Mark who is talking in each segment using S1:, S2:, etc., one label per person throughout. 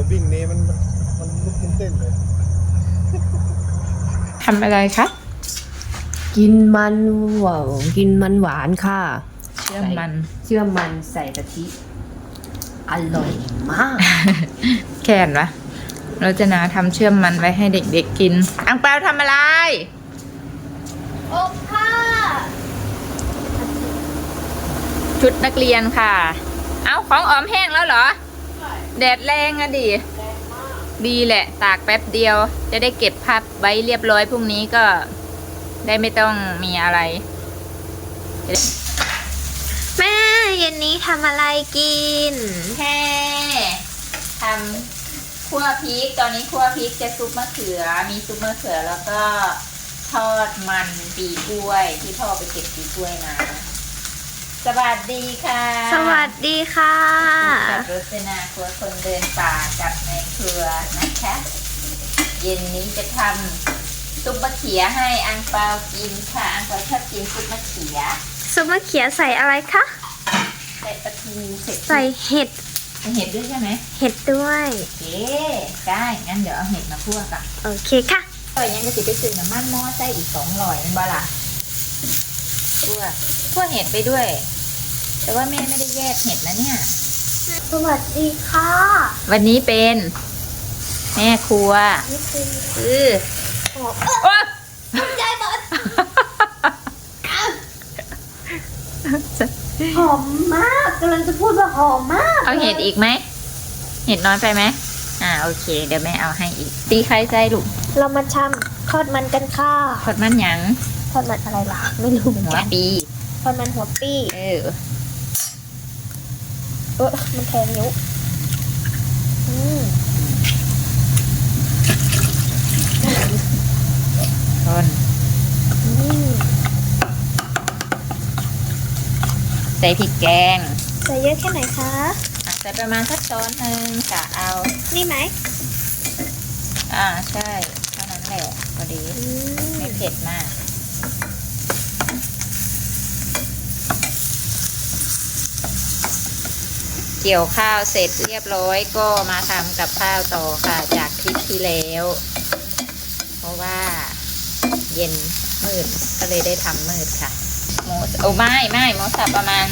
S1: วิ่งนี้มันลุกมันเต้นเลย
S2: ทำอะไรคะ
S3: กินมันหวานค่ะ
S2: เชื่อมมัน
S3: เชื่อมมันใส่กะทิอร่อยมาก
S2: แค่นวะเราจะนาทำเชื่อมมันไว้ให้เด็กๆกิน อังเปาทำอะไร
S4: อบผ้า
S2: ชุดนักเรียนค่ะ เอาของออมแห้งแล้วเหรอ แดดแรงอะดิดีแหละ ตากแป๊บเดียว จะได้เก็บพับไว้เรียบร้อยพรุ่งนี้ก็ได้ไม่ต้องมีอะไร
S4: แม่เย็นนี้ทำอะไรกิน
S2: แค่ทำคั่วพริก ตอนนี้คั่วพริกจะซุปมะเขือ มีซุปมะเขือแล้วก็ทอดมันปีกล้วยที่พ่อไปเก็บปีกล้วยมา สวัสดีค่ะ
S4: สวัสดีค่ะ
S2: กับรสนาครัวคนเดินป่ากับในครัวนะคะ เย็นนี้จะทำซุปมะเขือให้อังเปากินค่ะ อังเปาชอบกินซุปมะเขือ
S4: ซุปมะเขือใส่อะไรคะ
S2: ใส่ปลาทูเสร็จ
S4: ใส่เห็ด
S2: เห็ดด้วยใช่ไหม
S4: เห็ดด้วย
S2: โอเคได้งั้นเดี๋ยวเอาเห็ดมาคั่วกัน
S4: โอเคค่ะ
S2: ยังจะสิไปซื้อน้ำมันหม้อใส่อีก200นั่นบ่ล่ะคั่วเห็ดไปด้วย แต่ว่าแม่ไม่ได้แยกเห็ดนะเนี่ย
S4: สวัสดีค่ะ
S2: วันนี้เป็นแม่ครัว
S4: นี่คือ
S2: โอ้
S4: ใจบอดหอมมากกำลังจะพูดว่าหอมมาก
S2: เอาเห็ดอีกไหมเห็ดน้อยไปไหมโอเค เดี๋ยวแม่เอาให้อีก ตีไข่ใส่ลูก
S4: เรามาทำทอดมันกันค่ะ
S2: ทอดมันหยัง
S4: ทอดมันอะไรล่ะ ไม่รู้เหมือน
S2: หัว
S4: กัน
S2: ปี
S4: ทอดมันหัวปี้ มันแทงนิ้วอืม
S2: ทอน
S4: อืม
S2: ใส่พริกแกง
S4: ใส่เยอะแค่ไหนคะ
S2: ใส่ประมาณสักช้อนหนึ่งกะเอา
S4: นี่ไหม
S2: ใช่เท่านั้นแหละพอดี
S4: อืม
S2: ไม่เผ็ดมาก เกี่ยวข้าวเสร็จเรียบร้อยก็มาทำกับข้าวต่อค่ะจากคลิปที่แล้ว เพราะว่าเย็นมืดก็เลยได้ทำมืดค่ะหมูไม่หมูสับประมาณ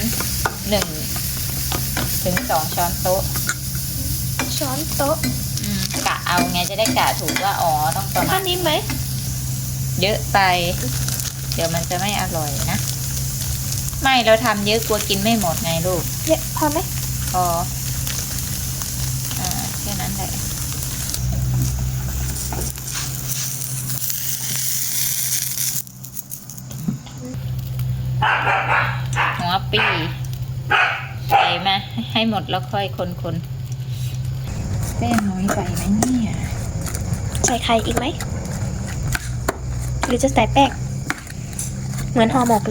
S2: 1 ถึง 2 ช้อนโต๊ะ
S4: ช้อนโต๊ะ
S2: กะเอาไงจะได้กะถูกว่าต้องประมา
S4: ท่า
S2: ณ
S4: นี้ไหม
S2: เยอะไป เดี๋ยวมันจะไม่อร่อยนะ ไม่เราทำเยอะกลัวกินไม่หมดไงลูก
S4: เยอะพอไหม
S2: พอแค่นั้นแหละหัวปีใส่มาให้หมดแล้วค่อยคนแป้งน้อยไปไหมเนี่ย
S4: ใส่ไข่อีกไหม หรือจะใส่แป้ง เหมือนห่อหมกเลย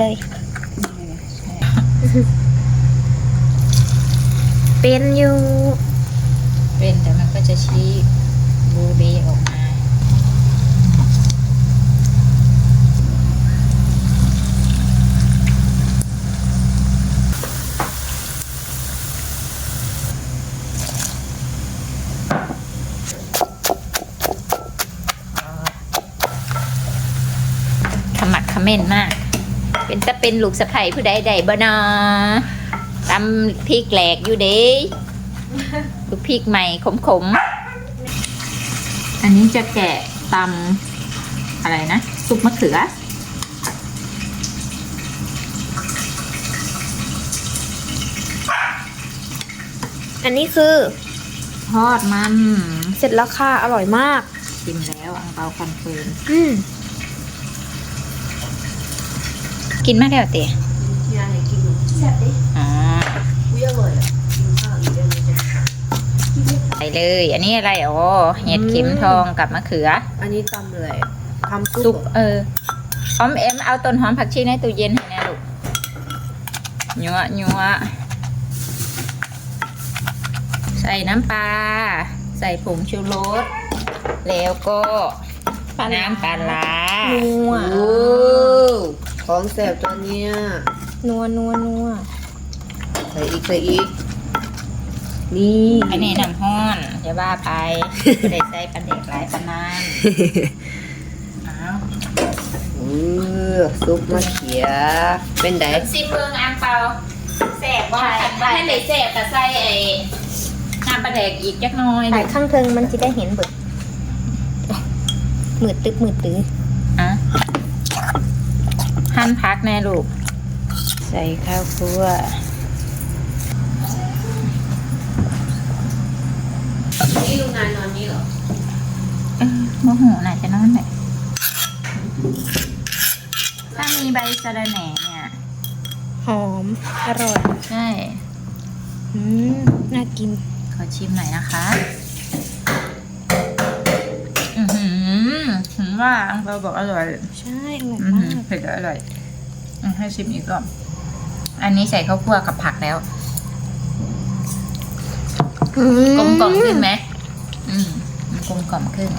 S4: เป็นอยู่
S2: เป็นแต่มันก็จะชี้บูเบออกมาขมักเขม้นมาก เป็นลูกสะใภ้ผู้ใดใดบ่นอตำพริกแหลกอยู่เด้ลูกพริกใหม่ขมๆ อันนี้จะแกะตำอะไรนะซุปมะเขือ
S4: อันนี้คือ
S2: ทอดมัน
S4: เสร็จแล้วค่ะ อร่อยมาก
S2: ชิมแล้วอังเปาคอนเฟิร์ม
S4: อืม
S2: กินมากแล้วเต๋
S3: ยายกิน
S4: แซ่บดิ
S2: อ๋อ
S3: อุ้ยอร่อยอ่ะกินข้าวอีกเรื่องนึงจะ
S2: ใส่เลย อันนี้อะไรเห็ดเข็มทองกับมะเขือ
S3: อันนี้ตำเลยทำ
S2: ซุ
S3: ซุ
S2: ป
S3: ป
S2: หอมเอ็มเอาต้นหอมผักชีในตู้เย็นให้แน่ลูกยัวใส่น้ำปลา ใส่ผงชูรส แล้วก็น้ำปลาร้า
S4: นัว
S3: โอ้ของแสบตัวเนี้ย
S4: นัว
S3: ใส่อีกนี่
S2: อันนี้น้ำห้อนจะว่าไปได้ใส่ปลาเด็กหลายปลานานอ้าว
S3: ซุปมะเขือเป็นได
S2: ซิเบิงอังเปาแสบว่าให้เลยแสบแต่ใส่ไอ้น้ำปลาเด็กอีกจักหน้อย
S4: ถ่ายข้างเทิงมันจะได้เห็นเบิดมืดตึ๊บมืดตื้อ
S2: อ่ะหั่นพักแน่ลูกใส่ข้าวคั่ว
S3: นี่ลุงนายนอนนี่เหรอ
S2: โมโหน่ะจะนอนไหนถ้ามีใบสะระแหน่เนี่ย
S4: หอมอร่อย
S2: ใช่
S4: น่ากิน
S2: ขอชิมหน่อยนะคะเห็นว่าอังเปาบอกอร่อย
S4: ใช่อร่อย
S2: อื้อ
S4: มา
S2: หือก เผ็ดอร่อยให้ชิมอีกรอบอันนี้ใส่ข้าวคั่วกับผักแล้วกลมกล่อมขึ้นไหมมันกลมกล่อมขึ้น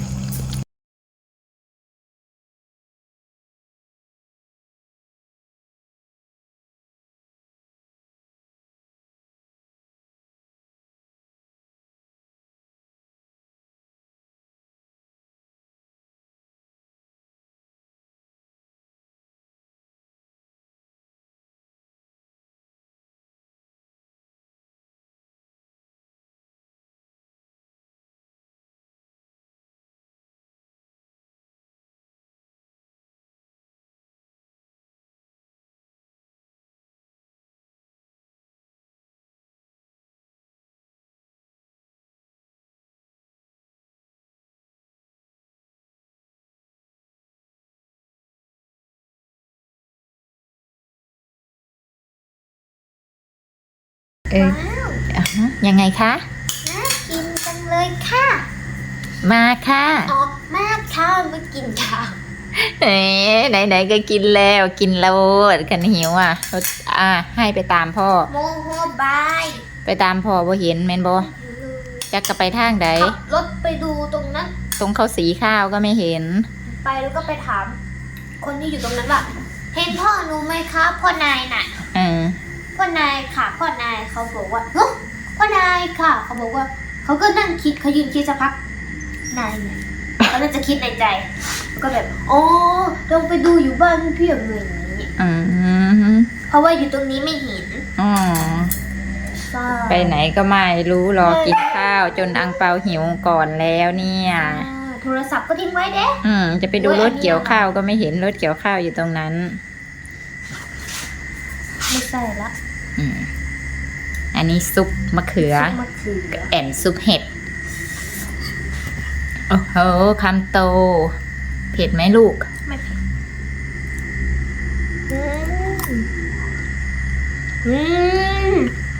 S2: ยังไงคะ
S4: น่ากินจังเลยค่ะ
S2: มาค่ะ
S4: ออกมากค่ะไม่กินข้าว
S2: ไหนก็กินแล้วกินแล้วกันหิวให้ไปตามพ่อ
S4: โมโหบาย
S2: ไปตามพ่อบ่เห็นแม่นบ่จักก็ไปทางใด
S4: ขับรถไปดูตรงนั้น
S2: ตรงเขาสีข้าวก็ไม่เห็น
S4: ไปแล้วก็ไปถาม คนที่อยู่ตรงนั้นว่า เห็นพ่อหนูไหมคะพ่อนายน่ะ พ่อนายค่ะพ่อนายเขาบอกว่าเฮ้ยพ่อนายค่ะเขาบอกว่าเขาก็นั่งคิดเขายืนคิดสักพักนายเนี่ยเขาน่าจะคิดในใจแล้วก็แบบอ๋อลองไปดูอยู่บ้านพี่อย่างเงี้ยอย่างนี้เพราะว่าอยู่ตรงนี้ไม่เห็น
S2: อ๋อ
S4: ใช่
S2: ไปไหนก็ไม่รู้รอกินข้าวจนอังเปาหิวก่อนแล้วเนี่ย
S4: โทรศัพท์ก็ทิ้งไว้เด้
S2: จะไปดูรถเกี่ยวข้าวก็ไม่เห็นรถเกี่ยวข้าวอยู่ตรงนั้น
S4: ไม่ใช่ละ
S2: อันนี้ซุปมะเขือ
S4: ซุปมะเขือ
S2: แอนซุปเห็ด โอ้โหคำโต เผ็ดไหมลูก
S4: ไม่เผ็ดอืม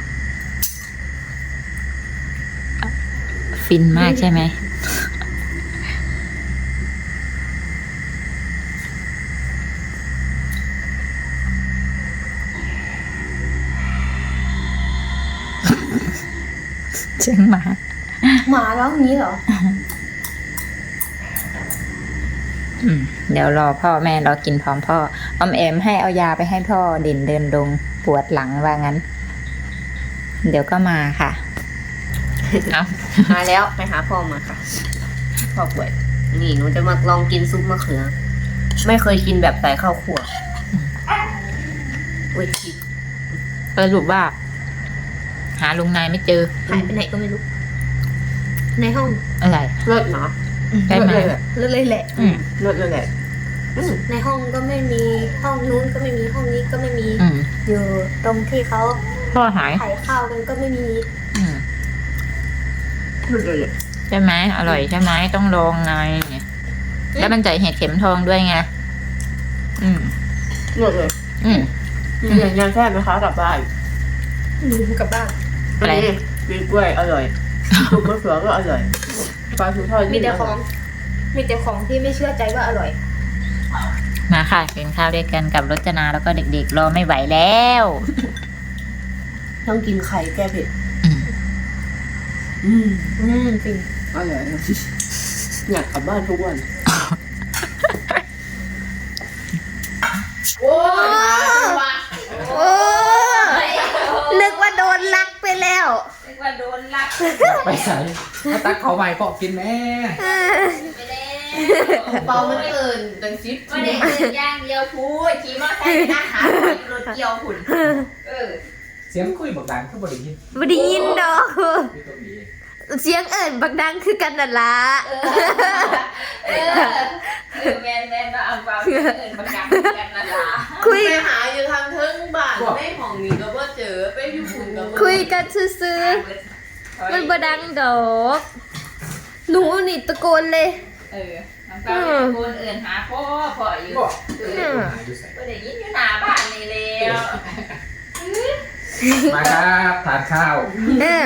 S2: ฟินมากใช่ไหม เชียงหมา
S4: หมาแล้วอย่างนี้เหรอ
S2: เดี๋ยวรอพ่อแม่รอกินพร้อมพ่ออมแอมให้เอายาไปให้พ่อเด่นเดินดงปวดหลังว่างั้น เดี๋ยวก็มาค่ะ เอา
S3: มาแล้วไปหาพ่อมาค่ะพ่อป่วยนี่หนูจะมาลองกินซุปมะเขือ ไม่เคยกินแบบใส่ข้าวคั่วอุ้ยผิด
S2: สรุปว่า หาลุงนายไม่เจอ
S4: หายไปไหนก็ไม่รู้ ในห้อง
S2: อะไร
S3: เลิศเนาะ
S2: ได้ไหม
S3: เลิศเลยแหละ
S4: เลยแหละ
S3: เลิศเลยแหละ
S4: ในห้องก็ไม่มีห้องนู้นก็ไม่มีห้องนี้ก็ไม่มี อยู่ตรงที่เขา
S2: พ่อหาย
S4: ถ่ายข้าวกันก็ไม่มี
S3: เลิศเลยแหละ
S2: ใช่ไหมอร่อยใช่ไหมต้องลองไงแล้วมันใส่เห็ดเข็มทองด้วยไง
S3: เลิศเลย ยังแซ่บไหมคะกลับบ้าน
S4: กลับบ้าน
S2: อะไร
S3: ปีกล้วยอร่อยซุปมะเขือก็อร่อยปลาทูทอด
S4: มีแต่ของที่ไม่เชื่อใจว่าอร่อย
S2: มาค่ะกินข้าวด้วยกันกับรจนาแล้วก็เด็กๆรอไม่ไหวแล้ว
S3: ต้องกินไข่แก้เผ็ด
S4: จริง
S3: อร่อยอยากกลับบ้านทุกวันโอ้ย
S4: นึกว่าโดนลักไปแล้ว
S2: นึกว่าโด
S5: ไปใส่มาตักเขาใหม่พอกินแม่
S2: ไปแล้ว
S3: เปามันเอินดังซิป
S2: ไม่ได้เดินย่างเดียวพูดขี่มอเตอร์ไซค์ไปนั่งหารถเกี่ยวหุ่นเออ
S5: เสียงคุยบอกดังคือบริยิน
S6: บ่ได้ยินดอก
S5: ที่ตรงนี้
S6: เสียงเอิ้นบักดังคือกันนั่นล่ะ
S2: แมนมาเอาความเอิญประกันกันนะล่ะ
S6: คุย
S3: ไปหาอยู่ทางเทิงบ้านไม่ของนี้ก็บ่เจอไปอยู่ฝุ่นก็บ่
S6: คุยกันซื่อๆมันบ่ดังดอกหนูนี่ตะโกนเลย
S2: เออน้องเต้าเป็นคนเอิญหาพ่ออยู่
S5: บอกหาอยู่ใส่
S2: ก็ได้ยินอยู่หน้าบ้านนี่แล้ว
S5: มาครับทานข้าว
S6: เออ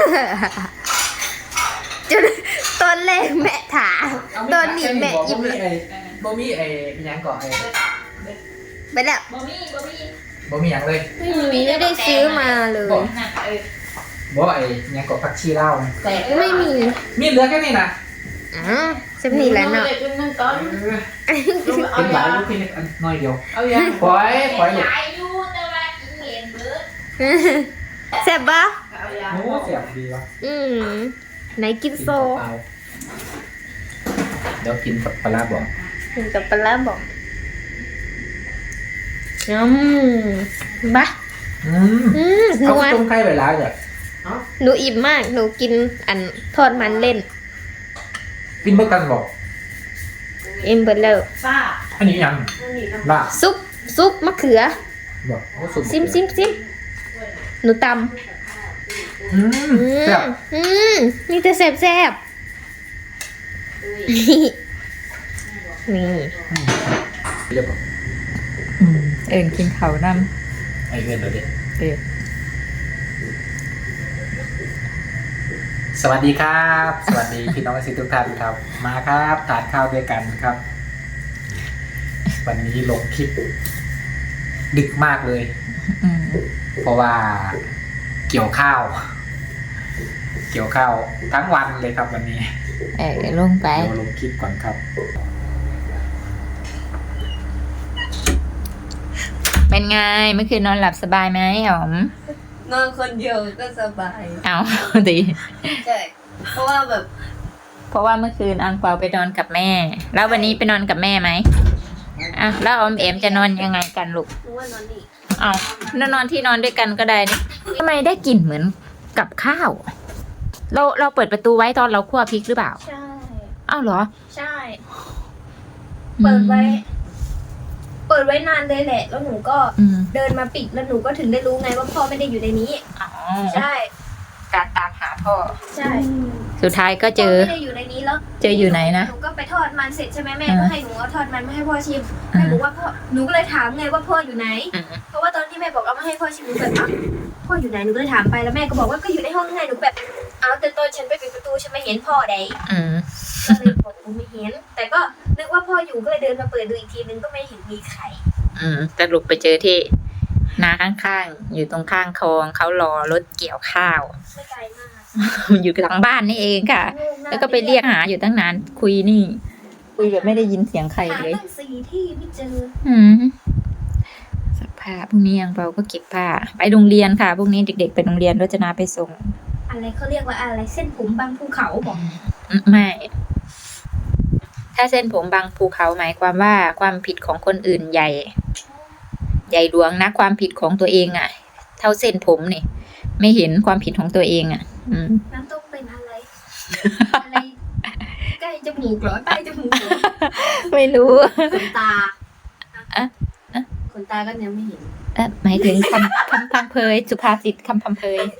S6: จนตอนแรกแม่ถามตอนนี้แม่อิ่ม
S5: บ่มีไอ้ยังก่อนไอ้
S6: ไปแล้ว
S2: บ่มี
S5: บ่มียังเลย
S6: ไม่ได้ซื้อมาเลย
S2: นั่นเออ
S5: บ่ไอ้ยังก่อผักชีเล่า
S2: แต่
S6: ไม่มี
S5: มีเหลือแค่นี้นะ
S6: อ๋อสำนีแหล้วเนาะ
S3: ด็กนึงตอน
S5: เป็นหลายลูกพี่อันน้อยเดียว
S3: เอายัง
S5: ปล่อยลูก
S2: ยายอยู่แต่ว่ากินเห็นเบิด
S6: แซ่บปะ
S3: เอายัง
S5: โอ้เสียบดีวะ
S6: ไหนกินโซ
S5: เปล่าเดี๋ยวกินกับปลาบอก
S6: ถึงกับปลาร้าบอกบ้า หนู
S5: เขา
S6: ว่า
S5: ต้มไข่ไปแล้วจ้ะ
S6: หนูอิ่มมาก หนูกินอันทอดมันเล่น
S5: กินเมื่อกันบอก
S6: อิ่มเบิดแล้ว
S3: ป้า
S5: อันนี้ยังลาบ
S6: ซุปมะเขือ
S5: บอกโอ้สุด
S6: ซิมหนูตำ
S5: แซ่บ
S6: นี่แต่แซ่บนี่
S5: เรียบร้อย
S2: เอิญกินเขาน
S5: ไอเงินเราเด็ด
S2: เออ
S5: สวัสดีครับ สวัสดีพี่น้องสิทุกท่านครับ มาครับทานข้าวด้วยกันครับ วันนี้ลงคลิป ดึกมากเลย เพราะว่าเกี่ยวข้าว ทั้งวันเลยครับวันนี้
S2: ลงไป
S5: เดี๋ยวลงคลิปก่อนครับ
S2: เป็นไงเมื่อคืนนอนหลับสบายไหมอ๋อม
S3: นอนคนเดียวก็สบาย
S2: เอาดี
S3: ใช่เพราะว่าแบบ
S2: เพราะว่าเมื่อคืนอังเปาไปนอนกับแม่ แล้ววันนี้ไปนอนกับแม่ไหมอ่ะแล้วออมเอ็มจะนอนยังไงกันลูก
S3: หนูว่านอนนี่
S2: เอานอนที่นอนด้วยกันก็ได้นี่ทำไมได้กลิ่นเหมือนกับข้าว เราเปิดประตูไว้ตอนเราคั่วพริกหรือเปล่า
S4: ใช่
S2: อ้าวเหรอ
S4: ใช่ เปิดไว้นานเลยแหละ แล้วหนูก็
S2: อืม
S4: เดินมาปิดแล้วหนูก็ถึงได้รู้ไงว่าพ่อไม่ได้อยู่ในนี้
S2: อ๋อ
S4: ใช่
S2: การตามหาพ่อ
S4: ใช่
S2: สุดท้ายก็เจอ
S4: พ่ไม่ได้อยู่ในนี้แล้ว
S2: เจออยู่ไหนนะ
S4: หนูก็ไปทอดมันเสร็จใช่ไหมแม่
S2: อืม
S4: ก็ให้หนูเอาทอดมันมาให้พ่อชิมแม่บอกว่าพ่อหนูก็เลยถามไงว่าพ่ออยู่ไหน
S2: อืม
S4: เพราะว่าตอนที่แม่บอกเอามาให้พ่อชิมหนูแบบอ้าวพ่ออยู่ไหนหนูก็เลยถามไปแล้วแม่ก็บอกว่าก็อยู่ในห้องไงหนูแบบเอาแต่ตอนฉันไปปิดประตูฉันไม่เห็นพ่อใด
S2: อืม
S4: ก็เลยบอกกูไม่เห็น แต่ก็นึกว่าพ่ออยู่ก็เลยเดินมาเปิดดูอีกทีนึงก็ไม่เห็นมีใคร
S2: สรุปไปเจอที่นาข้างๆ อยู่ตรงข้างคลองเขารอรถเกี่ยวข้าว
S4: ไม่ไกลมาก
S2: อยู่หลังบ้านนี่เองค่ะ แล้วก็ไปเรียกหาอยู่ตั้งนานคุยนี่ คุยแบบไม่ได้ยินเสียงใคร
S4: หา
S2: เลย
S4: ตั้ง4 ที่ไม่เจอ
S2: สักผ้าพรุ่งนี้ยังเราก็เก็บผ้าไปโรงเรียนค่ะพรุ่งนี้เด็กๆไปโรงเรียนรจนาไปส่ง
S4: อะไรเขาเรียกว่าอะไรเส้นผมบางภูเขาบอก
S2: ไม่ ถ้าเส้นผมบางภูเขาหมายความว่าความผิดของคนอื่นใหญ่หลวงนะความผิดของตัวเองอ่ะ เท่าเส้นผมนี่ ไม่เห็นความผิดของตัวเองอ่ะ
S4: น้ำต้มเป็นอะไร อะไรใกล้จมูกเหรอใต้จมูกเหรอ
S2: ไม่รู้
S3: ขนตา
S2: อะอะ
S3: ขนตาก็ยังไม่เห็น
S2: หมายถึงคำพังเพยสุภาษิตคำพังเพย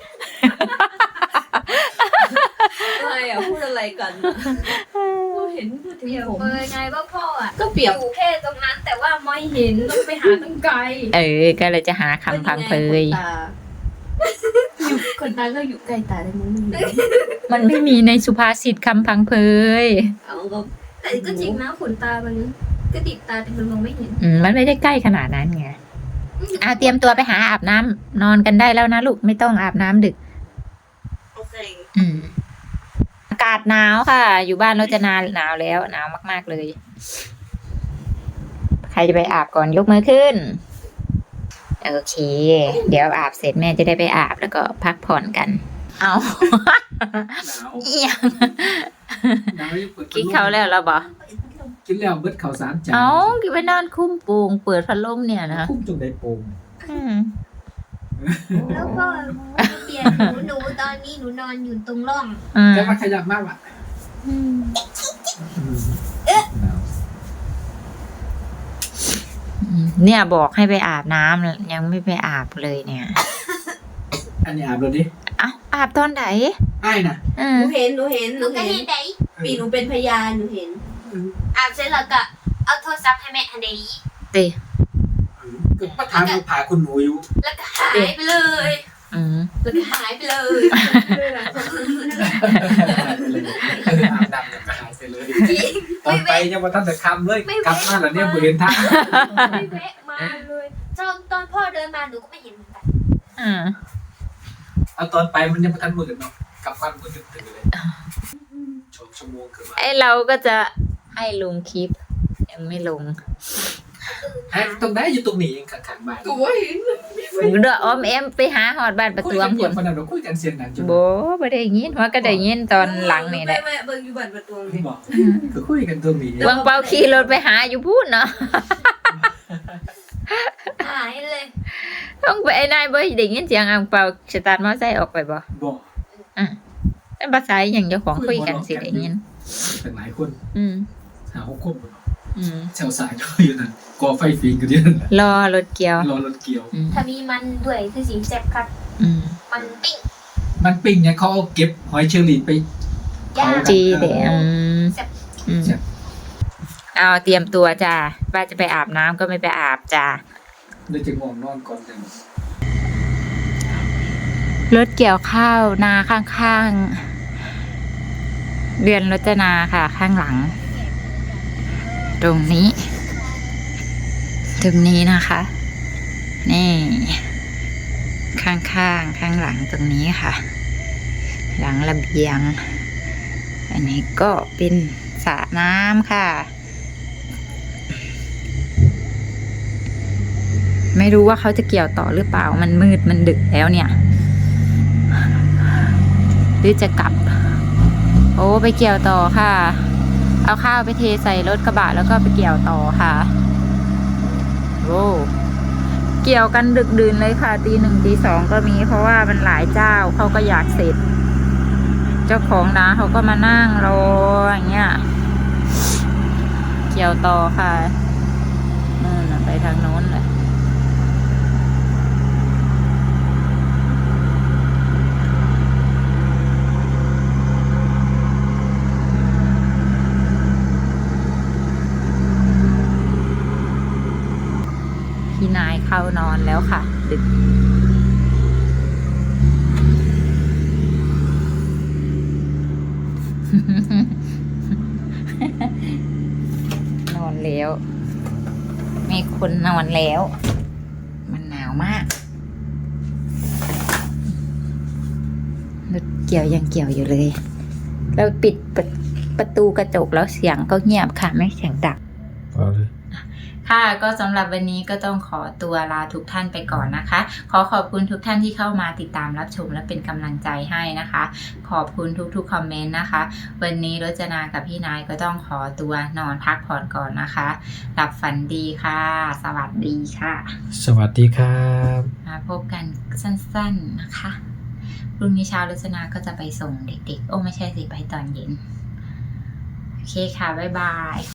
S3: อะไรอ่ะพูดอะไรกันก็เห็นพูดถึง
S4: เปรียบ
S3: ผม
S4: เปยไงว่าพ่ออ่ะ
S3: ก็เปรียบ
S4: อยู่แค่ตรงนั้น แต่ว่าไม่เห็นต้องไปหาตั้งไกล
S2: ก็เลยจะหาคำพังเพย
S3: อยู่ขนตาก็อยู่ใกล้ตาได้มั้ง
S2: มันไม่มีในสุภาษิตคำพังเพย
S3: เอาก็
S4: แต่ก็จริงนะขนตามันก็ติดตาแต่มันมองไม่เห็น
S2: มันไม่ได้ใกล้ขนาดนั้นไงเตรียมตัวไปหาอาบน้ำนอนกันได้แล้วนะลูกไม่ต้องอาบน้ำดึก
S3: โอเค
S2: อากาศหนาวค่ะ อยู่บ้านเราจะหนาวแล้วหนาวมากๆเลย ใครจะไปอาบก่อนยกมือขึ้น โอเค เดี๋ยวอาบเสร็จแม่จะได้ไปอาบแล้วก็พักผ่อนกันเอา
S5: หนาว
S2: เอียง
S5: หนาวยังเปิด
S2: กินเขาวแล้วเราบอก
S5: กินแล้วเบิดข้าวสารจาน
S2: เอากินไปนอนคุ้มโป่งเปิดพัดลมเนี่ยนะ
S5: คุ้มจงได้โป่ง
S2: อืม
S4: แล้วก็เปลี่ยนหนูตอนนี้หนูนอนอยู่ตรงร่อง
S2: อืม
S5: จะมาขยับมากว่ะ
S2: อืม
S5: หนาว
S2: เนี่ยบอกให้ไปอาบน้ำยังไม่ไปอาบเลยเนี่ย
S5: อันนี้อาบเลยดิ
S2: เอ้าอาบตอนไหน
S5: อ้ายน่ะ
S2: อื
S3: ห
S2: ม
S3: นูเห็น
S4: หนูก็เห็นได้
S3: ปีหนูเป็นพยานหนูเห็น
S4: อาบเสร็จแล้วก็เอาโทรศัพท์ให้แม่ทันใด
S2: เตะ
S5: ก็มาถามเราผ่าคุณหนูอยู่
S4: แล้วก็หายไปเลย
S2: อืม
S4: แล้วก็หายไปเลย
S5: อาบน้ำก็หายไปเลยตอนไปยังมาตั้งแต่คำเลยกลับมาแล้วเนี่ยบริเวณทาง
S4: ไม่แวะมาเลยตอนพ่อเดินมาหนูก็ไม่เห็นเหมือนกัน
S2: อืม
S5: เอาตอนไปมันยังไม่ทันมืดเนาะกลับบ้านมืดตื่นเลยชั่วโมงเกือบ
S2: ไอเราก็จะให้ลงคลิป ยังไม่ลง
S5: ตรงไหนอยู่ตรงนี้เองข้างๆบ้าน
S3: กูว่าเห็น
S2: เด้ออ้อมแอมไปหาหอดบ้านประ
S5: คุย
S2: ตู
S5: กัน
S2: ผ
S5: เพีย
S2: ล
S5: งคนนั้นเราคุยกันเสียงดังจน
S2: โบบ่ได้ยินหัวก็ได้ยินตอนหลังนี่แหละ
S3: แม่เบิ่งอยู่บ้านประตูนี่
S5: บอกก็คุยกันตรงนี้
S2: บางเปาขี่รถไปหาอยู่พูดเนาะ
S4: หายเลย
S2: ต้องไปไอ้นายบ่ได้ยินเสียงอังเปาสตาร์ทมอไซค์ออกไปบ่
S5: บอก
S2: เป็นภาษาอย่างเจ้าของคุยกันสิได้ยิน
S5: เป็นหลายคน
S2: อืม
S5: หา6 คนบ่
S2: อืม
S5: แถวสายอยู่นั่นก่อไฟฟิงกันอยู่นั่นแหละ
S2: รอรถเกียว
S5: รอรถเกี่ยว
S2: อืม
S4: ถ้ามีมันด้วยคือสีแซ่บครับ
S2: อืม
S4: มันปิ้ง
S5: มันปิ้งเนี่ยเขาเอาเก็บหอยเชอรี่ไป
S4: ย่าง
S2: จีเดอืม
S4: แซ่บ
S2: อืมเอาเตรียมตัวจ้าป้าจะไปอาบน้ำก็ไม่ไปอาบจ้า
S5: เลยจะง่วงนอนก่อนจัง
S2: รถเกี่ยวข้าวนาข้างๆเรือนรจนาค่ะ ข้างหลัง ตรงนี้นะคะ นี่ ข้างหลังตรงนี้ค่ะ หลังระเบียง อันนี้ก็เป็นสระน้ำค่ะ ไม่รู้ว่าเขาจะเกี่ยวต่อหรือเปล่ามันมืดมันดึกแล้วเนี่ย หรือจะกลับ โอ้ไปเกี่ยวต่อค่ะ เอาข้าวไปเทใส่รถกระบะแล้วก็ไปเกี่ยวต่อค่ะโอ้เกี่ยวกันดึกดื่นเลยค่ะตี 1 ตี 2ก็มีเพราะว่ามันหลายเจ้าเขาก็อยากเสร็จ เจ้าของนาเขาก็มานั่งรออย่างเงี้ยเกี่ยวต่อค่ะนู่นน่ะไปทางโน้นเลย พี่นายเข้านอนแล้วค่ะ ดึก นอนแล้ว มีคนนอนแล้ว มันหนาวมากรถเกี่ยวยังเกี่ยวอยู่เลย เราปิดประตูกระจกแล้วเสียงก็เงียบค่ะ ไม่เสียงดัง ค่ะก็สำหรับวันนี้ก็ต้องขอตัวลาทุกท่านไปก่อนนะคะ ขอขอบคุณทุกท่านที่เข้ามาติดตามรับชมและเป็นกำลังใจให้นะคะ ขอบคุณทุกๆคอมเมนต์นะคะ วันนี้รจนากับพี่นายก็ต้องขอตัวนอนพักผ่อนก่อนนะคะหลับฝันดีค่ะ สวัสดีค่ะ
S5: สวัสดีครับ
S2: มาพบกันสั้นๆนะคะพรุ่งนี้เช้ารจนาก็จะไปส่งเด็กๆโอ้ไม่ใช่สิไปตอนเย็นโอเคค่ะบ๊ายบาย